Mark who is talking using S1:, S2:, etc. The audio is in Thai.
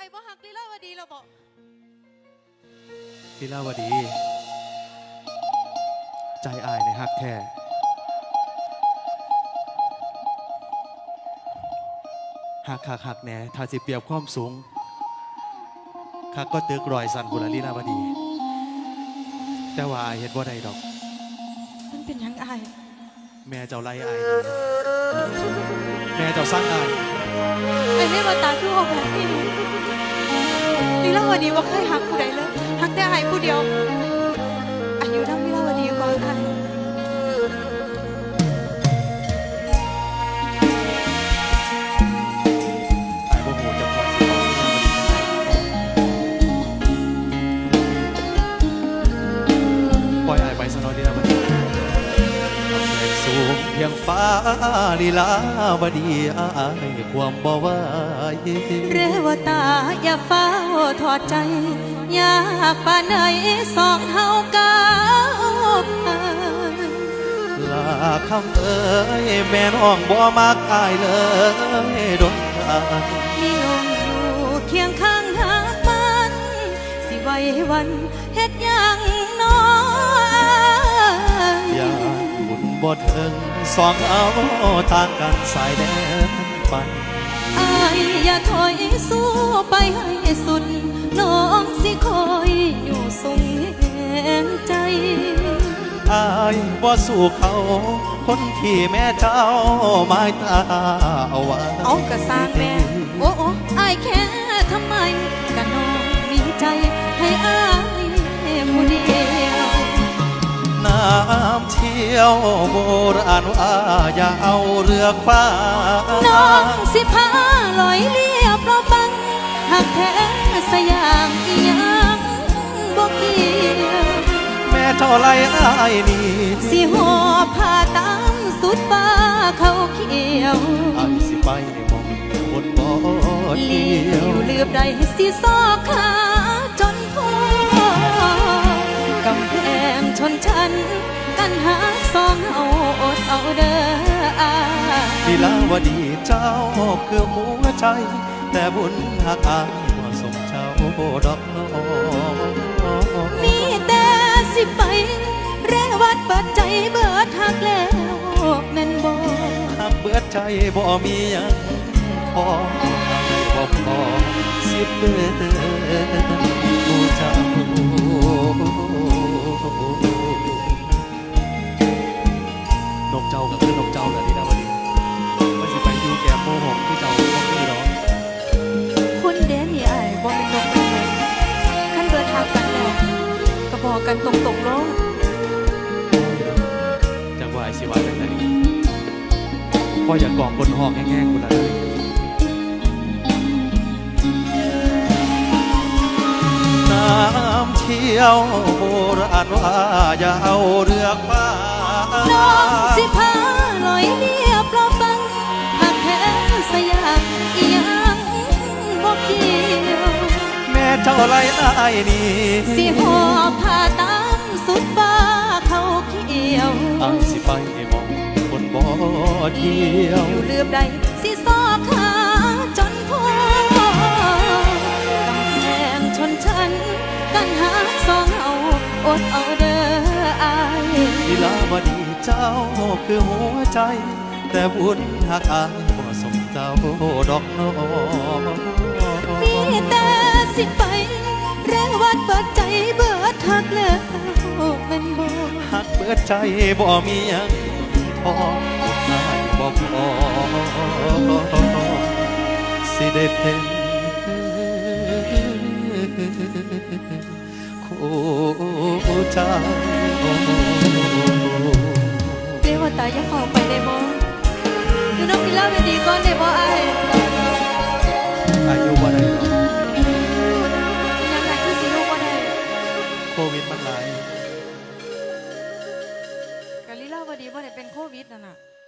S1: อ้บ่ฮักลีลาวดีเราบอก
S2: ลีลาวดีใจอายในฮักแท้หักแหน่ถ้าสิเปรียบความสูงคักก็ตึกรอยสันบุรลีลาวดีแต่ว่าอายเห็นว่าใดดอก
S1: มันเป็นยังอาย
S2: แม่เจ้าไล่อายแม่เจ้าสร้างอาย
S1: ไอ้แม่มาตาคือออกแบบนี้ลีลาวดีว่าเคยหักผู้ใดเลยหักแต่อายผู้เดียวอายุนั่งลีลาวดีก่อนค่ะ
S2: เพียงฟ้าลีลาวดีอายความบ่ไหว
S1: เรวตาอย่าเฝ้าถอดใจอยากป่านไหนสองเฮากาวผ่าน
S2: ลาคำเอ้ยแม่น้องบ่มักอายเลยดนทาง
S1: มีน้องอยู่เคียงข้างหากมันสิไว้วันเฮ็ดยังน้อย
S2: อย่าบุญบ่ถึงสองเอาทางกันสายแดนไป
S1: อายอย่าถอยสู้ไปให้สุดน้องสิคอยอยู่ทรงแห่งใจ
S2: อายบ่สู้เขาคนที่แม่เจ้าไม้ตาเอาไว้
S1: เอากระสร้างแม่โอ้อายแค่ทำไมกันน้องมีใจให้อายผู้เดียว
S2: น้ำเที่ยวโบราณว่าอย่าเอาเรือคว้า
S1: น้องสิพาลอยเลียบเราบังหากแท้สยามอีหยังบ่เกี่ยว
S2: แม่เท่าไรอ้ายนี่
S1: สิหอบผ้าตามสุดฟ้าเขาเขียว
S2: อ้ายสิไปมองคนบ่เที่ยว
S1: เลือบใดสิซอกขาจนพอกำแพงชนชั้นกันหาสองเอาอดเอาเด้อ
S2: ลีลาวดีเจ้าคือหัวใจแต่บุญหักอายบ่สมเจ้าดอกน้อง
S1: มีแต่สิไปเรวัดเปิดใจเบิดหักแล้วแม่นบ่
S2: หักเบิดใจบ่มีหยังพอให้บ่พอสิเบิดผู้เจ้านกเจ้ากับคือนกเจ้าเลยลีลาวดีว่าสิไปอยู่แก้มโมหกคือเจ้าบ่มีดอก
S1: คนเด้นี่อ้ายบ่เป็นนกเป็นไงคันเบิดหักกันแล้วก็บอกกันตรงๆโลด
S2: จังว่าไอ้สิว่าจังได๋พ่ออย่ากองบนห้องแง่ๆกูล่ะน้ำเที่ยวโบราณว่าอย่าเอาเรือคว้า
S1: น้องสิพาลอยเลียบเราบังหากแท้สยามอีหยังบ่เกี่ยว
S2: แม่เจ้าไรอ้ายนี่
S1: สิหอบผ้าตามสุดฟ้าเขาเขียว
S2: อ้ายสิไปมองคนบ่เที่ยว
S1: เลือบใดสิซอกขาจนพอกำแพงชนชั้นกันหาสองเอาอดเอาเด้ออาย
S2: ลีลาวดีเจ้าคือหัวใจแต่บุญหักอายบ่สมเจ้าดอกน้อง
S1: มีแต่สิไปเรวัดเปิดใจเบิดหักแล้วแม่นบ่
S2: หักเบิดใจบ่มีหยังพออายบ่พอสิได้เป็นคู่เจ้า
S1: เรวตาอย่าเข้าไปได้บ่อยู่น้องลีลาวดีก่อนได้บ่อ้าย
S2: อายุบ่ได้หรอก
S1: ยังไงคือสิลูกบ่ได้
S2: โควิดมันหลาย
S1: กะลีลาวดีบ่ได้เป็นโควิดนั่นน่ะ